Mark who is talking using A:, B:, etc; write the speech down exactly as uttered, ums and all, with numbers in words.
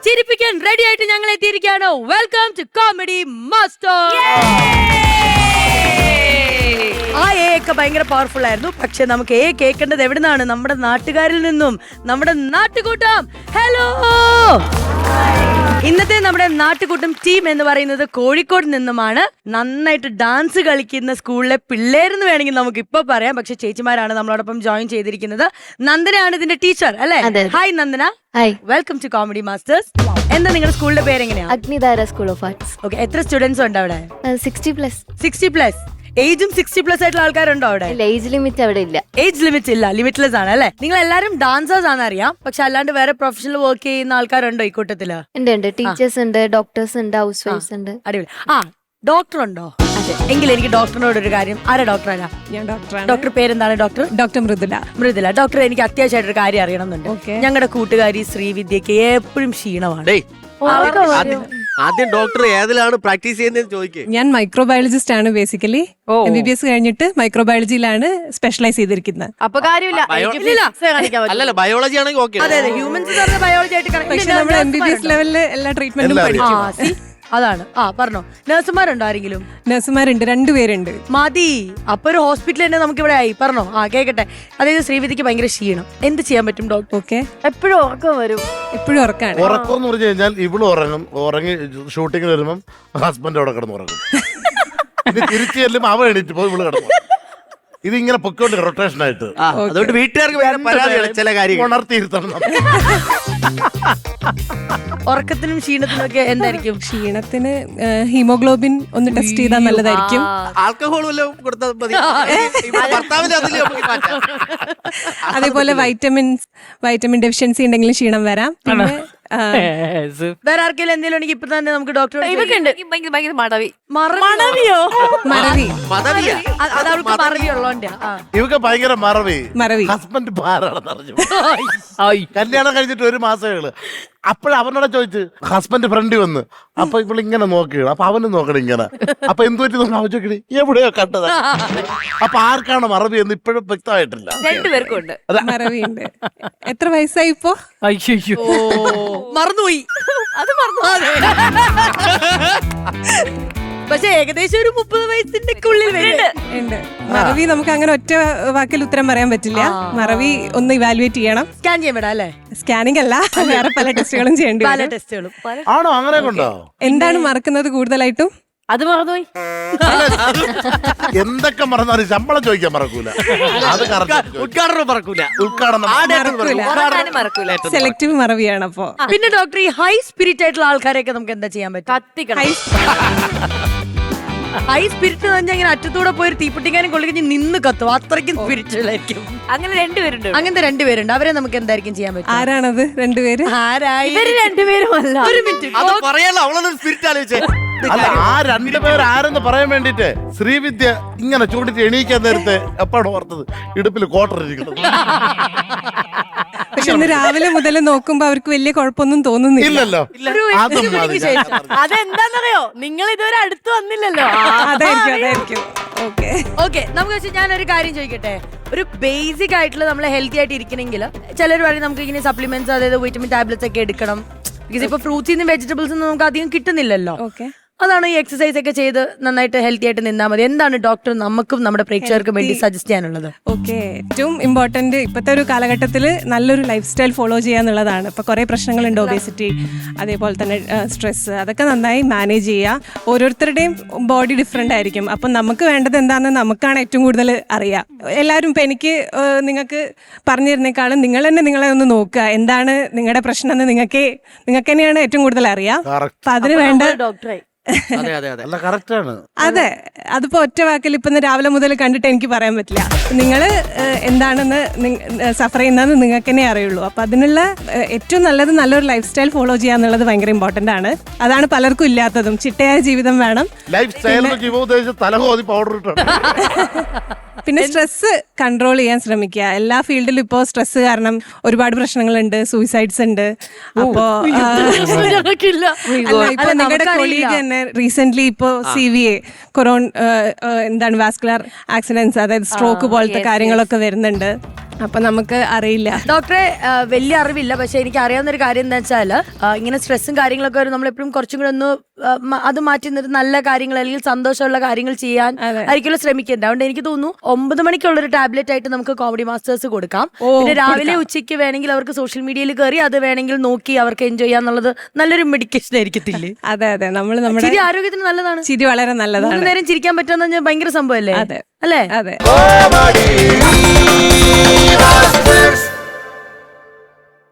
A: ചിരിപ്പിക്കാൻ ready ആയിട്ട് ഞങ്ങൾ എത്തിയിരിക്കുകയാണ്. Welcome to comedy master. ആ എ ഒക്കെ ഭയങ്കര പവർഫുൾ ആയിരുന്നു. പക്ഷെ നമുക്ക് എ കേൾക്കേണ്ടത് എവിടുന്നാണ്? നമ്മുടെ നാട്ടുകാരിൽ നിന്നും, നമ്മുടെ നാട്ടുകൂട്ടം. ഹലോ, ഇന്നത്തെ നമ്മുടെ നാട്ടുകൂട്ടം ടീം എന്ന് പറയുന്നത് കോഴിക്കോട് നിന്നുമാണ്. നന്നായിട്ട് ഡാൻസ് കളിക്കുന്ന സ്കൂളിലെ പിള്ളേരെന്ന് വേണമെങ്കിൽ നമുക്ക് ഇപ്പൊ പറയാം. പക്ഷെ ചേച്ചിമാരാണ് നമ്മളോടൊപ്പം ജോയിൻ ചെയ്തിരിക്കുന്നത്. നന്ദനയാണ് ഇതിന്റെ ടീച്ചർ അല്ലേ? Hi Nandana.
B: Hi,
A: welcome to comedy masters. എന്താ നിങ്ങളുടെ സ്കൂളിന്റെ പേര് എങ്ങനെയാ?
B: Agnidhara school of arts.
A: Okay, എത്ര സ്റ്റുഡൻസ് ഉണ്ട് അവിടെ?
B: Sixty plus.
A: Sixty plus. ഏജും സിക്സ്റ്റി പ്ലസ് ആയിട്ടുള്ള ആൾക്കാരുണ്ടോ അവിടെ?
B: ഏജ് ലിമിറ്റ് അവിടെ ഇല്ല.
A: ഏജ് ലിമിറ്റ് ഇല്ല, ലിമിറ്റ്ലെസ് ആണ് അല്ലേ? നിങ്ങൾ എല്ലാരും ഡാൻസേഴ്സ് ആണെന്ന് അറിയാം. പക്ഷെ അല്ലാണ്ട് വേറെ പ്രൊഫഷണൽ വർക്ക് ചെയ്യുന്ന ആൾക്കാരുണ്ടോ ഈ കൂട്ടത്തില്?
B: ഉണ്ട് ഉണ്ട്. ടീച്ചേഴ്സ് ഉണ്ട്, ഡോക്ടേഴ്സ് ഉണ്ട്, ഹൗസ് വൈഫ്സ് ഉണ്ട്.
A: അടിപൊളി. ആ, ഡോക്ടർ ഉണ്ടോ? എങ്കിൽ എനിക്ക് ഡോക്ടറിനോട് ഒരു കാര്യം. ആരാ ഡോക്ടറാ?
C: ഞാൻ ഡോക്ടറാണ്.
A: ഡോക്ടർ പേരെന്താണ്? Doctor
C: doctor Mridula.
A: Mridula. Doctor, എനിക്ക് അത്യാവശ്യമായിട്ടൊരു കാര്യം അറിയണമെന്നുണ്ട്. ഞങ്ങളുടെ കൂട്ടുകാരി ശ്രീവിദ്യക്ക് എപ്പോഴും ക്ഷീണമാണ്.
D: ആദ്യം ഡോക്ടർ ഏതിലാണ് പ്രാക്ടീസ് ചെയ്യുന്നതെന്ന് ചോദിക്കേ.
C: ഞാൻ മൈക്രോബയോളജിസ്റ്റ് ആണ്. Basically M B B S കഴിഞ്ഞിട്ട് മൈക്രോബയോളജിയിലാണ് സ്പെഷ്യലൈസ് ചെയ്തിരിക്കുന്നത്.
E: അപ്പൊ കാര്യമില്ല.
D: അല്ലല്ല, ബയോളജി ആണെങ്കിൽ ഓക്കെ.
A: അതെ അതെ, ഹ്യൂമൻസ് ബയോളജി ആയിട്ട്.
C: പക്ഷെ നമ്മൾ എം ബി ബി എസ് ലെവലില് എല്ലാ ട്രീറ്റ്മെന്റും പഠിക്കും.
A: അതാണ്. ആ, പറഞ്ഞോ. നഴ്സുമാരുണ്ടോ ആരെങ്കിലും?
C: നഴ്സുമാരുണ്ട്, രണ്ടുപേരുണ്ട്.
A: മതി. അപ്പൊ ഒരു ഹോസ്പിറ്റൽ തന്നെ നമുക്ക് ഇവിടെ ആയി. പറഞ്ഞോ. ആ, കേക്കട്ടെ. അതായത് ശ്രീവിദ്യക്ക് ഭയങ്കര ക്ഷീണം. എന്ത് ചെയ്യാൻ പറ്റും ഡോക്ടർ?
C: ഓക്കെ,
E: എപ്പോഴും ഉറക്കം വരും.
C: എപ്പോഴും ഉറക്കാണ്.
F: ഉറക്കം എന്ന് പറഞ്ഞു കഴിഞ്ഞാൽ ഇവള് ഉറങ്ങും. ഉറങ്ങി ഷൂട്ടിങ്ങിന് വരുമ്പം ഹസ്ബൻഡ് അവിടെ കിടന്ന് ഉറങ്ങും. ഇനി തിരിച്ചു ചെല്ലും അവ എണീറ്റ് പോയി ഇവള് കിടന്നു. ഇതിങ്ങനെ പൊക്കോണ്ട് റൊട്ടേഷൻ ആയിട്ട്.
D: അതുകൊണ്ട് വീട്ടുകാർക്ക് വേറെ പരാതിയാണ് ചില കാര്യങ്ങൾ.
F: ഉണർത്തിയിരുത്തണം.
A: ഉറക്കത്തിനും ക്ഷീണത്തിനും ഒക്കെ എന്തായിരിക്കും?
C: ക്ഷീണത്തിന് ഹീമോഗ്ലോബിൻ ഒന്ന് ടെസ്റ്റ് ചെയ്താൽ നല്ലതായിരിക്കും.
D: ആൽക്കഹോൾ വല്ലതും കൊടുത്താൽ മതി. ഭർത്താവിന്റെ അതിൽ നമുക്ക് മാറ്റാം.
C: അതേപോലെ വൈറ്റമിൻസ് വൈറ്റമിൻ ഡെഫിഷ്യൻസി ഉണ്ടെങ്കിലും ക്ഷീണം വരാം. പിന്നെ
A: വേറെ ആർക്കെങ്കിലും എന്തെങ്കിലും ഉണ്ടെങ്കിൽ ഇപ്പൊ തന്നെ നമുക്ക് ഡോക്ടർ.
E: ഇതൊക്കെ ഉണ്ട്. ഭയങ്കര മടവി.
A: മറവിയോ?
C: മറവി.
D: പദവിയാ.
A: അത് അവൾക്ക് മറവി ഉള്ളോണ്ടാ.
F: ഇവക്ക് ഭയങ്കര മറവി.
C: മറവി.
F: ഹസ്ബൻഡ് ഭാരാണെന്ന് അറിഞ്ഞു. കല്യാണം കഴിഞ്ഞിട്ട് ഒരു മാസമേ. അപ്പോഴ അവനോടെ ചോദിച്ചു, ഹസ്ബൻഡ് ഫ്രണ്ട് വന്ന്. അപ്പൊ ഇവിടെ ഇങ്ങനെ നോക്കുകയാണ്. അപ്പൊ അവന് നോക്കണം ഇങ്ങനെ. അപ്പൊ എന്ത് പറ്റി നോക്കണം? അവൻ ചോദിക്കണേ എവിടെയോ കണ്ടത്. അപ്പൊ ആർക്കാണ് മറവി എന്ന് ഇപ്പോഴും വ്യക്തമായിട്ടില്ല.
E: രണ്ടുപേർക്കും ഉണ്ട്
C: മറവി ഉണ്ട്. എത്ര വയസ്സായി ഇപ്പോ?
A: മറന്നുപോയി. അത് മറന്നു. പക്ഷെ ഏകദേശം ഒരു മുപ്പത് വയസ്സിന്റെ ഉള്ളിൽ
C: ഉണ്ട്. മറവി നമുക്ക് അങ്ങനെ ഒറ്റ വാക്കിൽ ഉത്തരം പറയാൻ പറ്റില്ല. മറവി ഒന്ന് ഇവാലുവേറ്റ് ചെയ്യണം.
A: സ്കാൻ ചെയ്യാൻ വിടാം അല്ലേ?
C: സ്കാനിംഗ് അല്ല, വേറെ പല ടെസ്റ്റുകളും ചെയ്യേണ്ടി
A: പല
C: വരും.
A: ടെസ്റ്റുകളും.
F: ആണോ? അങ്ങനെ കൊണ്ടോ?
C: എന്താണ് മറക്കുന്നത് കൂടുതലായിട്ടും?
E: അത് മറന്നുപോയി.
F: എന്തൊക്കെ മറന്നാലും ശമ്പളം ചോദിക്കാൻ മറക്കൂല. അത്
D: ഉദ്ഘാടനം മറക്കൂല.
F: ഉദ്ഘാടനം
E: മറക്കൂല.
C: സെലക്റ്റീവ് മറവിയാണ്. അപ്പോ
A: പിന്നെ ഡോക്ടർ, ഈ ഹൈ സ്പിരിറ്റ് ആയിട്ടുള്ള ആൾക്കാരെയൊക്കെ നമുക്ക് എന്താ ചെയ്യാൻ പറ്റും?
E: കത്തിക്കണം.
A: ഹൈ സ്പിരിറ്റ് എന്ന് പറഞ്ഞാൽ ഇങ്ങനെ അറ്റത്തൂടെ പോയി തീപ്പൊട്ടിക്കാനും കൊള്ളിക്കഞ്ഞ് നിന്ന് കത്തും. അത്രയ്ക്കും സ്പിരിറ്റുകളായിരിക്കും.
E: അങ്ങനെ രണ്ടുപേരുണ്ട്.
A: അങ്ങനത്തെ രണ്ടുപേരുണ്ട്. അവരെ നമുക്ക് എന്തായിരിക്കും ചെയ്യാൻ പറ്റും?
C: ആരാണത് രണ്ടുപേര്?
A: ആരായി?
E: ഇവര് രണ്ടുപേരും അല്ല.
A: ഒരു മിനിറ്റ്.
D: അത് പറയാലോ, അവളൊന്നും സ്പിരിറ്റ് ആലോചിച്ചേ.
F: അല്ല, ആ രണ്ടുപേർ ആരെന്ന് പറയാൻ വേണ്ടിട്ട് ശ്രീവിദ്യ ഇങ്ങനെ ചൂണ്ടിട്ട് എണീക്കാൻ നേരത്തെ എപ്പോഴാണ് ഓർത്തത് ഇടുപ്പിൽ കോട്ടറിരിക്കുന്നത്.
C: പക്ഷെ ഇന്ന് രാവിലെ മുതൽ നോക്കുമ്പോ അവർക്ക് വലിയ കുഴപ്പമൊന്നും തോന്നുന്നില്ല.
F: ഇല്ലല്ലോ. അതും മതി.
E: അതെന്താന്നറിയോ? നിങ്ങൾ ഇതുവരെ അടുത്ത് വന്നില്ലല്ലോ.
C: അതായിരിക്കും അതായിരിക്കും ഓക്കെ
A: ഓക്കെ. നമുക്ക് വെച്ചാൽ ഞാനൊരു കാര്യം ചോദിക്കട്ടെ. ഒരു ബേസിക് ആയിട്ടുള്ള നമ്മൾ ഹെൽത്തി ആയിട്ട് ഇരിക്കണമെങ്കിൽ ചിലർ പറയും നമുക്ക് ഇങ്ങനെ സപ്ലിമെന്റ്സ്, അതായത് വിറ്റമിൻ ടാബ്ലറ്റ്സ് ഒക്കെ എടുക്കണം. ബിക്കോസ് ഇപ്പൊ ഫ്രൂട്ട്സിൽ നിന്നും വെജിറ്റബിൾസ് ഒന്നും നമുക്ക് അധികം കിട്ടുന്നില്ലല്ലോ.
C: ഓക്കെ,
A: അതാണ് ഈ എക്സസൈസ് ഒക്കെ ചെയ്ത് നന്നായിട്ട് ഹെൽത്തി ആയിട്ട് നിന്നാൽ മതി. എന്താണ് ഡോക്ടർ നമുക്കും നമ്മുടെ പ്രേക്ഷകർക്കും വേണ്ടി സജസ്റ്റ് ചെയ്യാനുള്ളത്?
C: ഓക്കെ, ഏറ്റവും ഇമ്പോർട്ടന്റ് ഇപ്പോഴത്തെ ഒരു കാലഘട്ടത്തിൽ നല്ലൊരു ലൈഫ് സ്റ്റൈൽ ഫോളോ ചെയ്യാന്നുള്ളതാണ്. ഇപ്പൊ കുറെ പ്രശ്നങ്ങളുണ്ട്, ഒബേസിറ്റി, അതേപോലെ തന്നെ സ്ട്രെസ്, അതൊക്കെ നന്നായി മാനേജ് ചെയ്യുക. ഓരോരുത്തരുടെയും ബോഡി ഡിഫറെന്റ് ആയിരിക്കും. അപ്പം നമുക്ക് വേണ്ടത് എന്താണെന്ന് നമുക്കാണ് ഏറ്റവും കൂടുതൽ അറിയാം. എല്ലാവരും ഇപ്പൊ എനിക്ക് നിങ്ങൾക്ക് പറഞ്ഞു തരുന്നേക്കാളും നിങ്ങൾ തന്നെ നിങ്ങളെ ഒന്ന് നോക്കുക. എന്താണ് നിങ്ങളുടെ പ്രശ്നം എന്ന് നിങ്ങൾക്ക് നിങ്ങൾക്ക് തന്നെയാണ് ഏറ്റവും കൂടുതൽ അറിയാം. അപ്പൊ അതിന് വേണ്ട
E: ഡോക്ടറായി.
D: അതെ അതെ അതെ,
F: അല്ല കറക്റ്റാണ്.
C: അതെ, അതിപ്പോ ഒറ്റ വാക്കിൽ ഇപ്പൊ രാവിലെ മുതൽ കണ്ടിട്ട് എനിക്ക് പറയാൻ പറ്റില്ല. നിങ്ങൾ എന്താണെന്ന് സഫർ ചെയ്യുന്നതെന്ന് നിങ്ങൾക്ക് തന്നെ അറിയുള്ളൂ. അപ്പൊ അതിനുള്ള ഏറ്റവും നല്ലത് നല്ലൊരു ലൈഫ് സ്റ്റൈൽ ഫോളോ ചെയ്യാന്നുള്ളത് ഭയങ്കര ഇമ്പോർട്ടന്റ് ആണ്. അതാണ് പലർക്കും ഇല്ലാത്തതും. ചിട്ടയായ ജീവിതം വേണം.
F: ലൈഫ് സ്റ്റൈൽ ജീവിതോദ്ദേശം തലകോതി പൗഡർ ഇട്ടാണ്.
C: പിന്നെ സ്ട്രെസ് കൺട്രോൾ ചെയ്യാൻ ശ്രമിക്കുക. എല്ലാ ഫീൽഡിലും ഇപ്പോ സ്ട്രെസ് കാരണം ഒരുപാട് പ്രശ്നങ്ങളുണ്ട്, സൂയിസൈഡ്സ് ഉണ്ട്. അപ്പോ ഇപ്പൊ നിങ്ങളുടെ കൊളീഗ് തന്നെ റീസെന്റ് ഇപ്പോ സി വി എ കൊറോൺ എന്താണ് വാസ്കുലർ ആക്സിഡൻസ്, അതായത് സ്ട്രോക്ക് പോലത്തെ കാര്യങ്ങളൊക്കെ വരുന്നുണ്ട്. അപ്പൊ നമുക്ക് അറിയില്ല.
A: ഡോക്ടറെ ആ, വലിയ അറിവില്ല, പക്ഷെ എനിക്ക് അറിയാവുന്ന ഒരു കാര്യം എന്താ വെച്ചാൽ ഇങ്ങനെ സ്ട്രെസ്സും കാര്യങ്ങളൊക്കെ വരും, നമ്മളെപ്പോഴും കുറച്ചും കൂടെ ഒന്ന് ആ, മ- അത് മാറ്റി നിന്നിട്ട് നല്ല കാര്യങ്ങൾ അല്ലെങ്കിൽ സന്തോഷമുള്ള കാര്യങ്ങൾ ചെയ്യാൻ ആയിരിക്കും ശ്രമിക്കേണ്ടത്. അതുകൊണ്ട് എനിക്ക് തോന്നുന്നു ഒമ്പത് മണിക്കുള്ള ഒരു ടാബ്ലറ്റ് ആയിട്ട് നമുക്ക് കോമഡി മാസ്റ്റേഴ്സ് കൊടുക്കാം. പിന്നെ രാവിലെ ഉച്ചയ്ക്ക് വേണമെങ്കിൽ അവർക്ക് സോഷ്യൽ മീഡിയയിൽ കയറി അത് വേണമെങ്കിൽ നോക്കി അവർക്ക് എൻജോയ് ചെയ്യാന്നുള്ളത് നല്ലൊരു മെഡിക്കേഷൻ ആയിരിക്കത്തില്ലേ?
C: അതെ അതെ, നമ്മൾ നമ്മുടെ
A: ചിരി ആരോഗ്യത്തിന് നല്ലതാണ്.
C: ചിരി വളരെ നല്ലതാണ്.
A: മൂന്ന് നേരം ചിരിക്കാൻ പറ്റുമെന്ന് പറഞ്ഞാൽ ഭയങ്കര സംഭവല്ലേ?
C: അതെ
A: അല്ലേ?
C: അതെ.
F: Comedy Masters.